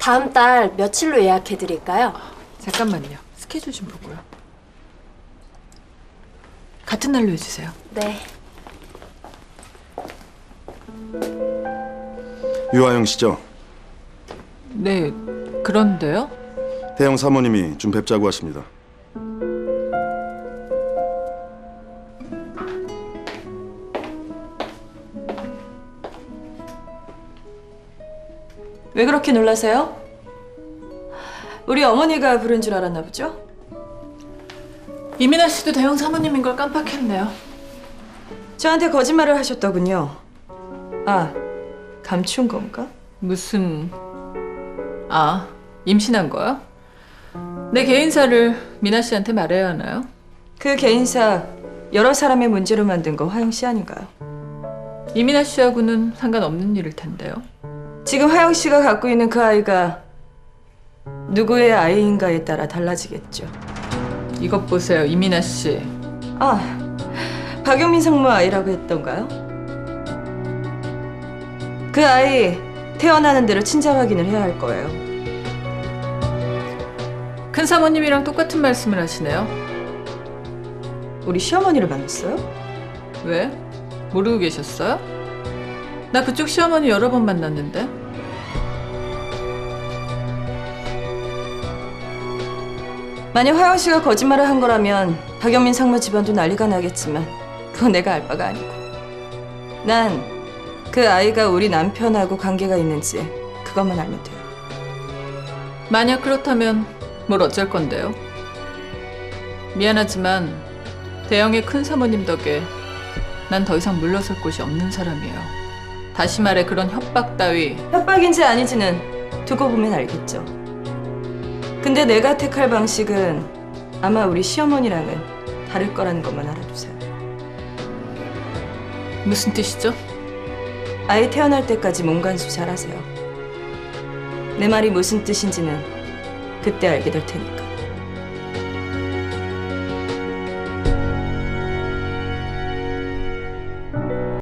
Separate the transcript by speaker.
Speaker 1: 다음 달 며칠로 예약해 드릴까요?
Speaker 2: 잠깐만요. 스케줄 좀 보고요. 같은 날로 해주세요.
Speaker 1: 네.
Speaker 3: 유아영 씨죠?
Speaker 2: 네, 그런데요?
Speaker 3: 대형 사모님이 좀 뵙자고 하십니다.
Speaker 4: 왜 그렇게 놀라세요? 우리 어머니가 부른 줄 알았나 보죠?
Speaker 2: 이민아 씨도 대형 사모님인 걸 깜빡했네요.
Speaker 4: 저한테 거짓말을 하셨더군요. 아, 감춘 건가?
Speaker 2: 무슨... 임신한 거요? 내 개인사를 미나 씨한테 말해야 하나요?
Speaker 4: 그 개인사 여러 사람의 문제로 만든 거 화영 씨 아닌가요?
Speaker 2: 이민아 씨하고는 상관없는 일일 텐데요.
Speaker 4: 지금 화영 씨가 갖고 있는 그 아이가 누구의 아이인가에 따라 달라지겠죠.
Speaker 2: 이것 보세요, 이민아 씨.
Speaker 4: 아, 박용민 상무 아이라고 했던가요? 그 아이 태어나는 대로 친자 확인을 해야 할 거예요.
Speaker 2: 큰 사모님이랑 똑같은 말씀을 하시네요.
Speaker 4: 우리 시어머니를 만났어요?
Speaker 2: 왜? 모르고 계셨어요? 나 그쪽 시어머니 여러 번 만났는데.
Speaker 4: 만약 화영 씨가 거짓말을 한 거라면 박영민 상무 집안도 난리가 나겠지만 그건 내가 알 바가 아니고. 난 그 아이가 우리 남편하고 관계가 있는지 그것만 알면 돼요.
Speaker 2: 만약 그렇다면 뭘 어쩔 건데요? 미안하지만 대형의 큰 사모님 덕에 난 더 이상 물러설 곳이 없는 사람이에요. 다시 말해 그런 협박 따위.
Speaker 4: 협박인지 아닌지는 두고 보면 알겠죠. 근데 내가 택할 방식은 아마 우리 시어머니랑은 다를 거라는 것만 알아두세요.
Speaker 2: 무슨 뜻이죠?
Speaker 4: 아이 태어날 때까지 몸간수 잘하세요. 내 말이 무슨 뜻인지는 그때 알게 될 테니까.